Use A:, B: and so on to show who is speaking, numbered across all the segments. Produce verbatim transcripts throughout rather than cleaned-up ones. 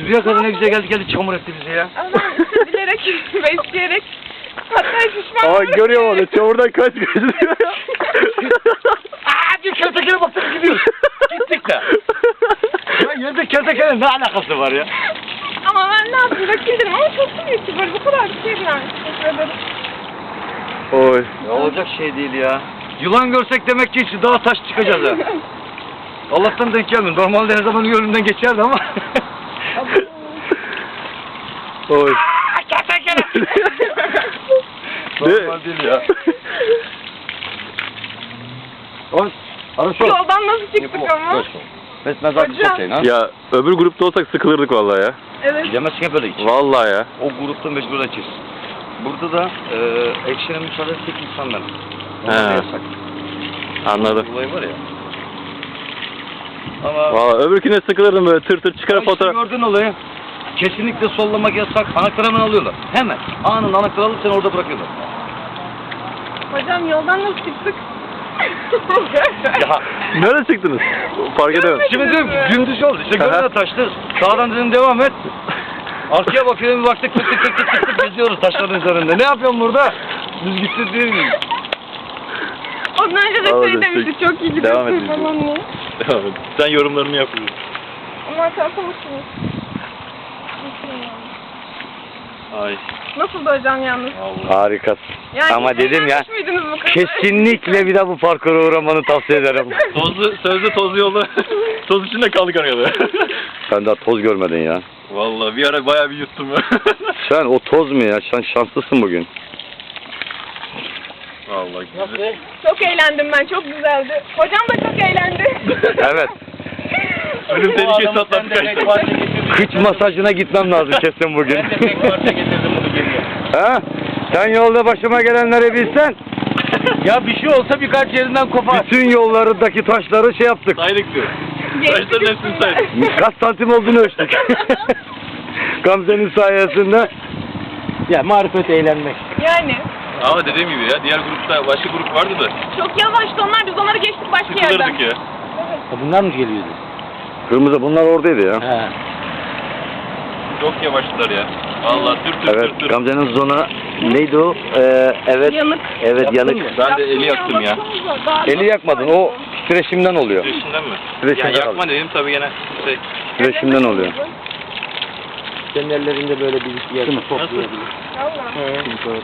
A: Şuraya kadar ne güzel geldi geldi çamur etti bizi ya.
B: Ama ben işte bilerek ve isteyerek hatta şişman
C: Aa görüyorum onu. Çamurdan kaç gözüküyor ya.
A: Aaa bir kertekele baktık gidiyoruz. Gittik de. Ya yerde kertekele ne alakası var ya?
B: Ama ben ne yapayım rakildim ama çok büyük ki böyle bu kadar bir şey yani. Teşekkür ederim.
C: Oy.
A: Ya olacak şey değil ya. Yılan görsek demek ki işte daha taş çıkacağız ha. Allah'tan denk gelmiyor. Normalde her zaman önümden geçerdi ama.
C: Oy.
A: Kertekele. Normal değil ya. Oy. Arası ol.
B: Yoldan nasıl çıktık ama?
A: Besmez abi
B: Hocam.
A: çok ha.
C: Ya öbür grupta olsak sıkılırdık vallahi ya.
B: Evet.
A: Gidemezsin hep öyle hiç.
C: Vallahi ya.
A: O grupta mecbur açız. Burada da e, ekşine müsaade tek insanlar.
C: He.
A: Onlar da yasak.
C: Anladım.
A: Olay var ya. Ama
C: Vallahi öbürküne sıkılırdım böyle tır tır çıkar
A: Ama işte
C: fotoğraf.
A: gördün olayı. Kesinlikle sollamak yasak. Anahtarı hemen alıyorlar. Hemen. Anında anahtarı alıp seni orada bırakıyorlar.
B: Hocam yoldan nasıl çıktık?
A: Ya.
C: Nerede çıktınız? Fark edemedim.
A: Şimdi diyorum ki gündüz oldu. İşte gölüne taştı. Sağdan dedim devam et. Arkaya bakıyorum bir baktık tık tık tık tık tık tık geziyoruz taşların üzerinde. Ne yapıyorsun burada? Düz gitti değil mi?
B: Ondan önce de
C: Tamam,
B: şey
C: destek.
B: demiştik çok iyi
C: Devam
B: gidiyorsun
C: edin.
B: falan diye.
C: Devam et. Sen yorumlarını yapıyorsun.
B: Ama çarpılmışsınız.
C: Ay.
B: Nasıldı hocam yalnız?
C: Harikasın.
B: Yani
C: Ama
B: hiç
C: dedim ya,
B: eğlenmiş miydiniz bu kadar?
C: kesinlikle bir daha bu parkura uğramanı tavsiye ederim.
D: Tozlu, sözde tozlu yolda toz içinde kaldık arada.
C: Sen daha toz görmedin ya.
D: Vallahi bir ara bayağı bir yuttum ya.
C: Sen o toz mu ya? Sen şanslısın bugün.
D: Vallahi güzel.
B: Çok eğlendim ben, çok güzeldi. Hocam da çok eğlendi.
C: Evet.
D: Ölüm tehlikesi atlattık kaçtı.
C: Kıç masajına gitmem lazım kesin bugün.
D: Ben de tek parça getirdim bunu geriye.
C: Ha? Sen yolda başıma gelenleri bilsen,
A: Ya bir şey olsa birkaç yerinden kopar.
C: bütün yollardaki taşları şey yaptık.
D: Saydık diyor. Taşların hepsini saydık.
C: Kaç santim olduğunu ölçtük. Gamze'nin sayesinde.
A: Ya marifet eğlenmek.
B: Yani.
D: Ama dediğim gibi ya diğer grupta başka grup vardı da
B: Çok yavaştı onlar, biz onları geçtik başka yerden.
D: sıkılırdık ya.
A: Bunlar mı geliyordu?
C: Kırmızı bunlar oradaydı ya.
A: He.
D: Çok yavaştılar ya. Vallahi tır tır
C: Evet,
D: tır tır.
C: Gamze'nin zona neydi o? Ee, evet.
B: Yanık.
C: Evet,
A: Yaptın
C: yanık.
A: mı?
D: Ben de eli yaktım ya.
C: Eli yakmadın, o titreşimden oluyor.
D: Titreşimden mi?
C: Titreşimden
D: Ya yakma
C: aldım.
D: dedim tabii gene şey.
C: Titreşimden oluyor.
A: Senin ellerinde böyle bir yer toplayabilir.
B: Valla.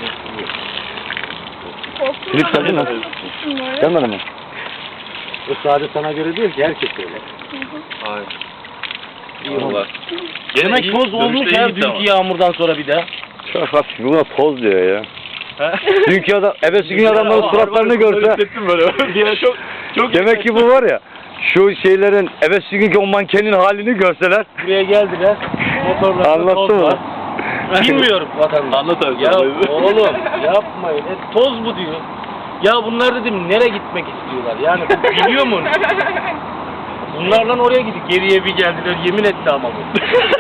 B: Korktum
C: Filip
B: ya,
C: geldin mi?
B: korktum böyle.
C: Gelmedi mi?
A: O sadece sana göre değil ki herkes öyle.
D: Hayır. Vallahi.
A: Demek
D: iyi,
A: toz olmuş
D: dönüşte
A: ya
D: iyiydi ama.
A: dünkü yağmurdan sonra bir daha.
C: Çok hafif, buna toz diyor ya.
D: Ha?
C: Dünkü adam, evvelsi gün adamların
D: Ama
C: suratlarını
D: harbi
C: görse,
D: hissettim böyle. Bir ara çok çok
C: demek ki bu var ya, şu şeylerin, evvelsi günkü o mankenin halini görseler,
A: Buraya geldiler. Motorlarda
C: anlattı
A: toz
C: mı?
A: var. Bilmiyorum vatandaş.
D: Anlat abi.
A: Ya
D: sen.
A: oğlum yapmayın. E, toz bu diyor. Ya bunlar dedim nereye gitmek istiyorlar? Yani bu biliyor mu? Bunlardan oraya gidip geriye bir geldiler. Yemin etti ama bu.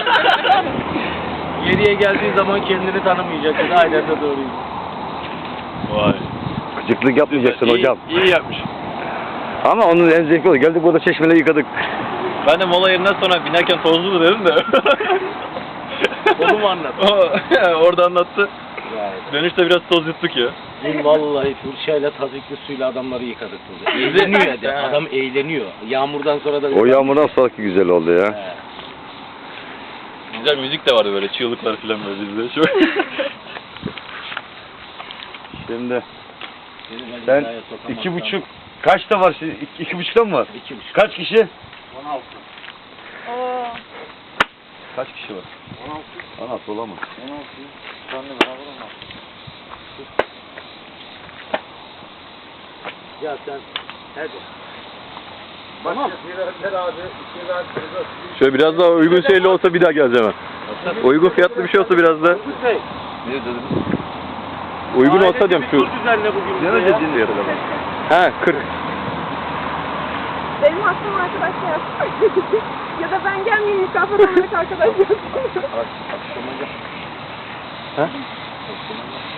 A: Geriye geldiği zaman kendini tanımayacak. Dedi, aynen de doğruyum.
D: Vay.
C: Gıcıklık yapmayacaksın
D: İyi-
C: hocam.
D: İyi yapmış.
C: Ama onun en zevkli oldu. Geldik burada çeşmeleri yıkadık.
D: Ben de mola yerinden sonra binerken tozlu dedim de.
A: Onu mu anlat?
D: O, orada anlattı.
A: Yani.
D: Dönüşte biraz toz yuttuk ya.
A: Dün vallahi fırçayla tazikli suyla adamları yıkadık burada. Eğleniyor ya de. Adam eğleniyor. Yağmurdan sonra da...
C: O yağmurdan sonraki güzel oldu ya.
A: He.
D: Güzel müzik de vardı böyle çığlıklar falan böyle bizde. Şöyle.
C: Şimdi
A: Seni ben
C: sen
A: hizaya sokamazsam-
C: iki buçuk, kaçta var şimdi? İki, iki buçukta mı var?
A: İki buçuk.
C: Kaç kişi?
A: On altı.
B: Oo.
C: Kaç kişi var?
A: On altı.
C: On altı olamaz.
A: On altı. Senle beraber on altı. Ya sen hadi. Tamam.
C: Şöyle biraz daha uygun şeyli olsa bir daha geleceğim ben. Uygun fiyatlı bir şey olsa biraz da
A: Bey.
D: Ne dedim?
C: uygun olsa diyorum şu.
A: Tur düzenle bugün.
C: Ne
A: bize ya.
C: ödedin diyor adamı. He kırk.
B: Benim hakkım arkadaş yapsın. Ya da ben gelmeyeyim mükafat olarak arkadaş yapsın.
C: Akşama gel. He?